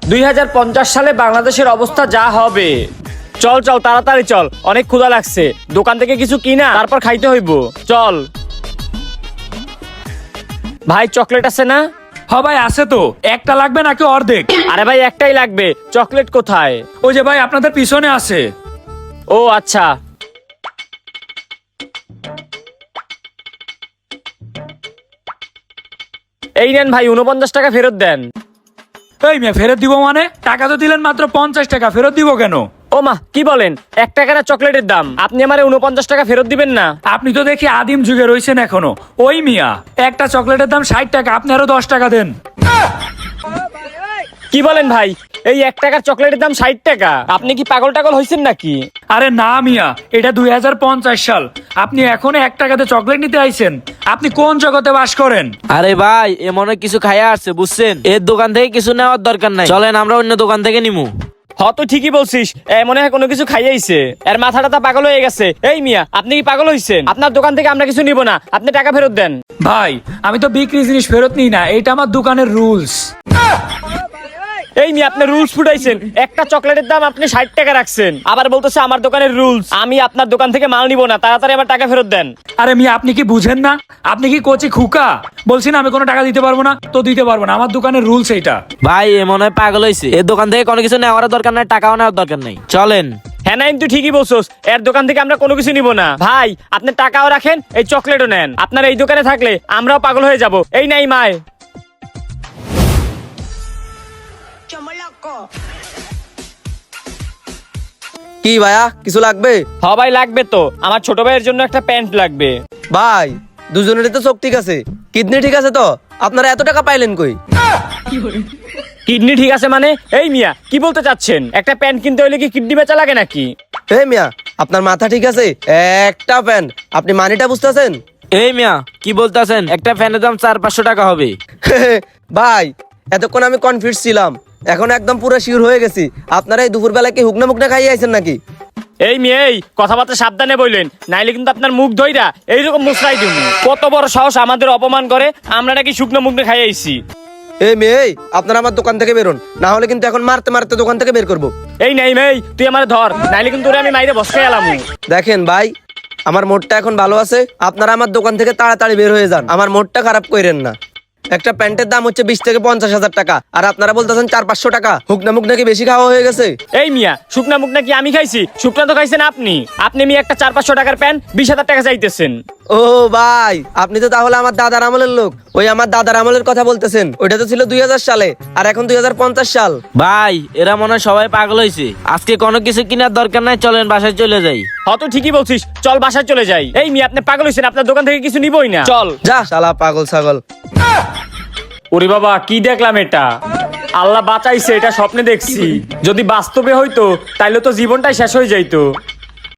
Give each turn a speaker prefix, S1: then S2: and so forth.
S1: 2050 সালে বাংলাদেশের অবস্থা যা হবে। চল চল তাড়াতাড়ি চল, অনেক ক্ষুধা লাগছে, দোকান থেকে কিছু কিনা তারপর খাইতে হইব। চল ভাই, চকলেট আছে না?
S2: হ ভাই আছে তো। একটা লাগবে নাকি অর্ধেক?
S1: আরে ভাই একটাই লাগবে। চকলেট কোথায়?
S2: ওই যে ভাই আপনাদের পিছনে আছে।
S1: ও আচ্ছা। এই নেন ভাই, 49 টাকা ফেরত দেন।
S2: এই মেয়ে ফেরত দিব মানে? টাকা তো দিলেন মাত্র 50 টাকা, ফেরত দিব কেন?
S1: ও মা, কি বলেন? 1 টাকা না চকলেটের দাম, আপনি আমারে 49 টাকা ফেরত দিবেন না?
S2: আপনি তো দেখি আদিম যুগে রয়েছেন এখনো। ওই মিয়া, একটা চকলেটের দাম 60 টাকা, আপনি আরো 10 টাকা দেন।
S1: কি বলেন ভাই? এই 1 টাকার চকলেটের দাম 60 টাকা? আপনি কি পাগল টাগল হয়েছেন নাকি?
S2: আরে না মিয়া, এটা 2050 সাল, আপনি এখনো 1 টাকাতে চকলেট নিতে আইছেন? আপনি কোন জগতে বাস করেন?
S3: আরে ভাই, এ মনে হয় কিছু খাইয়া আসছে, বুঝছেন? এর দোকান থেকে কিছু নেওয়ার দরকার নাই, চলেন আমরা অন্য দোকান থেকে নিমু।
S1: তো ঠিকই বলছিস, মনে হয় কোনো কিছু খাইয়াইছে, এর মাথাটা তা পাগল হয়ে গেছে। এই মিয়া, আপনি কি পাগল হইছেন? আপনার দোকান থেকে আমরা কিছু নিব না, আপনি টাকা ফেরত দেন।
S2: ভাই আমি তো বিক্রি জিনিস ফেরত নিই না, এটা আমার দোকানের রুলস।
S1: এই মিয়া, আপনি রুলস ফুটাইছেন। একটা চকলেটের দাম আপনি 60 টাকা রাখছেন, আবার বলতেছে আমার দোকানের রুলস। আমি আপনার দোকান থেকে মাল নিব না, তাড়াতাড়ি আমার টাকা ফেরত দেন।
S2: আরে মিয়া, আপনি কি বুঝেন না? আপনি কি কোচি খুকা? বলছি না আমি কোনো টাকা দিতে পারবো না, তো দিতে পারবো না, আমার দোকানের রুলস এইটা।
S3: ভাই এ মনে হয় পাগল হয়েছে, এর দোকান থেকে কোনো কিছু নেওয়ার দরকার নাই, টাকাও নেওয়ার দরকার নাই, চলেন।
S1: হ্যাঁ নাইম, তুই ঠিকই বলছস, এর দোকান থেকে আমরা কোনো কিছু নিব না। ভাই আপনি টাকাও রাখেন, এই চকলেটও নেন। আপনার এই দোকানে থাকলে আমরাও পাগল হয়ে যাব। এই নাই মায়।
S4: কি ভাইয়া, কিছু লাগবে?
S1: ভাই লাগবে তো, আমার ছোট ভাইয়ের জন্য একটা প্যান্ট লাগবে।
S4: ভাই দুজনেরই তো চোখ ঠিক আছে, কিডনি ঠিক আছে তো, আপনারা এত টাকা পাইলেন কই?
S1: কিডনি ঠিক আছে মানে? এই মিয়া, কি বলতে চাচ্ছেন? একটা প্যান্ট কিনতে হলে কি কিডনি বেচা লাগে নাকি?
S4: হে মিয়া, আপনার মাথা ঠিক আছে? একটা প্যান, আপনি মানিটা বুঝতেছেন?
S3: এই মিয়া কি বলতেছেন? একটা ফ্যানের দাম 400-500 টাকা হবে।
S4: ভাই এতক্ষণ আমি কনফিউজ ছিলাম, এখন একদম পুরো শিওর হয়ে গেছি। আপনারা এই দুপুরবেলা কি হুকনা মুকনা খাইয়ে আইছেন নাকি?
S1: এই মেয়ে, এই কথাবার্তা সাবধানে বললেন, নাইলে কিন্তু আপনার মুখ ধইরা এইরকম মুসরাই দিব। কত বড় সাহস আমাদের অপমান করে? আমরা নাকি শুকনো মুখ খাই আইছি?
S4: এই মেয়ে, আপনারা আমার দোকান থেকে বেরোন, না হলে কিন্তু এখন মারতে মারতে দোকান থেকে বের করবো।
S1: এই নাই মেয়ে, তুই আমার ধর, নাইলে কিন্তু ওরে আমি মাইরে বসকে এলাম।
S4: দেখেন ভাই, আমার মোডটা এখন ভালো আছে, আপনারা আমার দোকান থেকে তাড়াতাড়ি বের হয়ে যান, আমার মোডটা খারাপ করেন না। একটা প্যান্টের দাম হচ্ছে 20 থেকে 50,000 টাকা, আর আপনারা বলতেছেন 400-500 টাকা। হুকনা মুখ নাকি বেশি খাওয়া হয়ে গেছে?
S1: এই মিয়া, শুকনা মুখ নাকি আমি খাইছি? শুকনা তো খাইছেন আপনি। আপনি মিয়া একটা 400-500 টাকার প্যান্ট 20,000 টাকা চাইতেছেন।
S4: ও ভাই, আপনি তো তাহলে আমার দাদার আমলের লোক। ওই আমার দাদার আমলের কথা বলতেছেন, ওইটা তো ছিল 2000 সালে, আর এখন 2050 সাল।
S3: ভাই এরা মনে হয় সবাই পাগল হয়েছে, আজকে কোনো কিছু কেনার দরকার নাই, চলেন বাসায় চলে যাই।
S1: তো ঠিকই বলছিস, চল বাসায় চলে যাই। এই মিয়া, আপনি পাগল হইছেন, আপনার দোকান থেকে কিছু নিবই না। চল।
S4: যা শালা পাগল ছাগল।
S1: ওরে বাবা, কি দেখলাম এটা? আল্লাহ বাঁচাইছে, এটা স্বপ্নে দেখছি। যদি বাস্তবে হইতো তাইলে তো জীবনটাই শেষ হয়ে যাইতো।